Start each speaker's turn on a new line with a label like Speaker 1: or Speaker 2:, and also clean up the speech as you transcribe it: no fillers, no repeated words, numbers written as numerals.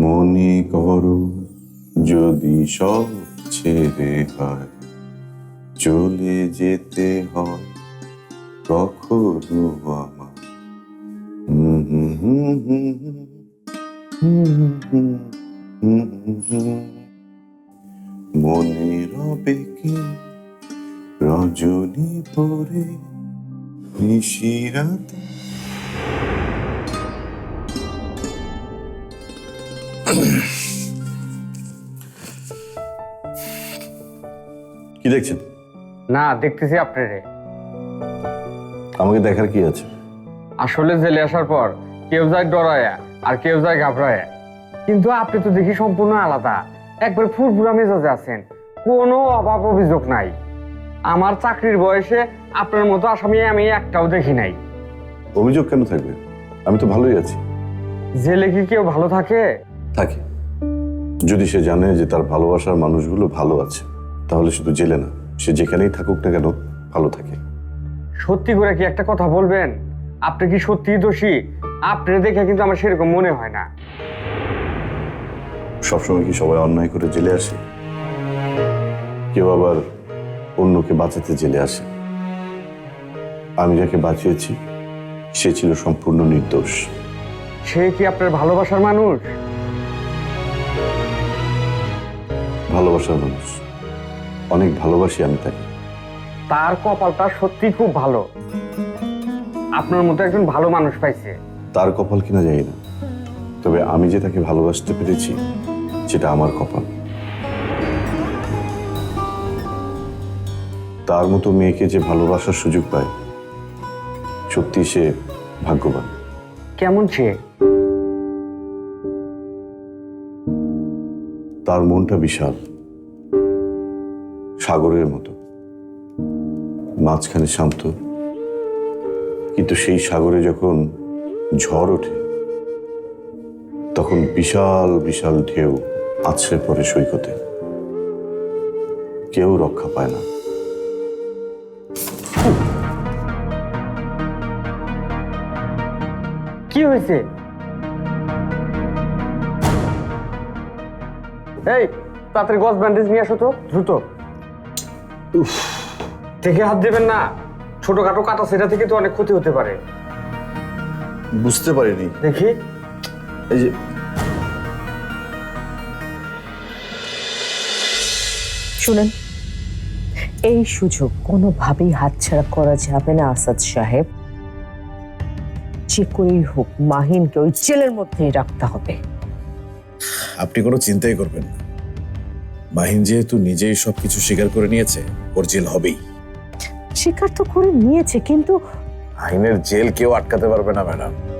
Speaker 1: মনে করো যদি সব ছেড়ে হয় চলে যেতে হয় কখনো আমার মনে রবে কি রজনী পরে নিশিরাতে। কি দেখছেন?
Speaker 2: না, দেখতেছি আপনারে।
Speaker 1: আমাকে দেখার কি আছে?
Speaker 2: আসলে জেলে আসার পর কেউ যায় ডরায়া আর কেউ যায় ঘাবড়ায়া, কিন্তু আপনি তো দেখি সম্পূর্ণ আলাদা। একবার ফুরফুরা মেজাজে আছেন, কোনো অভাব অভিযোগ নাই। আমার চাকরির বয়সে আপনার মতো আসামি আমি একটাও দেখি নাই।
Speaker 1: অভিযোগ কেন থাকবে? আমি তো ভালোই আছি।
Speaker 2: জেলে কি কেউ ভালো থাকে?
Speaker 1: থাকে, যদি সে জানে যে তার ভালোবাসার মানুষগুলো ভালো আছে, তাহলে শুধু জেলে না, সে যেখানেই থাকুক না কেন ভালো থাকে।
Speaker 2: সত্যি করে কি একটা কথা বলবেন? আপনি কি সত্যিই দোষী? আপনি দেখে কিন্তু আমার সেরকম মনে হয় না।
Speaker 1: সবসময় কি সবাই অন্যায় করে জেলে আসে? কেউ আবার অন্যকে বাঁচাতে জেলে আসে। আমি যাকে বাঁচিয়েছি সে ছিল সম্পূর্ণ নির্দোষ।
Speaker 2: সে কি আপনার ভালোবাসার মানুষ?
Speaker 1: ভালোবাসার মানুষ, অনেক ভালোবাসি আমি তাকে।
Speaker 2: তার কপালটা সত্যি খুব ভালো, আপনার মতো একজন ভালো মানুষ পাইছে।
Speaker 1: তার কপাল কিনা জানি না, তবে আমি যে তাকে ভালোবাসতে পেরেছি সেটা আমার কপাল। তার মতো মেয়েকে যে ভালোবাসার সুযোগ পায়, সত্যি সে ভাগ্যবান।
Speaker 2: কেমন সে?
Speaker 1: তার মনটা বিশাল, সাগরের মতো, মাঝখানে শান্ত, কিন্তু সেই সাগরে যখন ঝড় ওঠে তখন বিশাল বিশাল ঢেউ আছড়ে পড়ে সৈকতে, কেউ রক্ষা পায় না।
Speaker 2: কি হয়েছে? এই তাড়াতাড়ি গজ ব্যান্ডেজ নিয়ে আসো তো, দ্রুত। দেখে হাত দেবেন না, ছোটখাটো কাটা সেটা থেকে তো অনেক ক্ষতি হতে পারে।
Speaker 1: বুঝতে পারিনি।
Speaker 2: দেখি।
Speaker 1: এই যে
Speaker 3: শুনেন, এই সুযোগ কোনোভাবেই হাতছাড়া করা যাবে না আসাদ সাহেব। যে করেই হোক মাহিনকে ওই জেলের মধ্যেই রাখতে হবে।
Speaker 4: আপনি কোনো চিন্তাই করবেন না, মাহিন যেহেতু নিজেই সবকিছু স্বীকার করে নিয়েছে, ওর জেল হবেই।
Speaker 3: স্বীকার তো করে নিয়েছে, কিন্তু
Speaker 4: মাহিনের জেল কেউ আটকাতে পারবে না ম্যাডাম।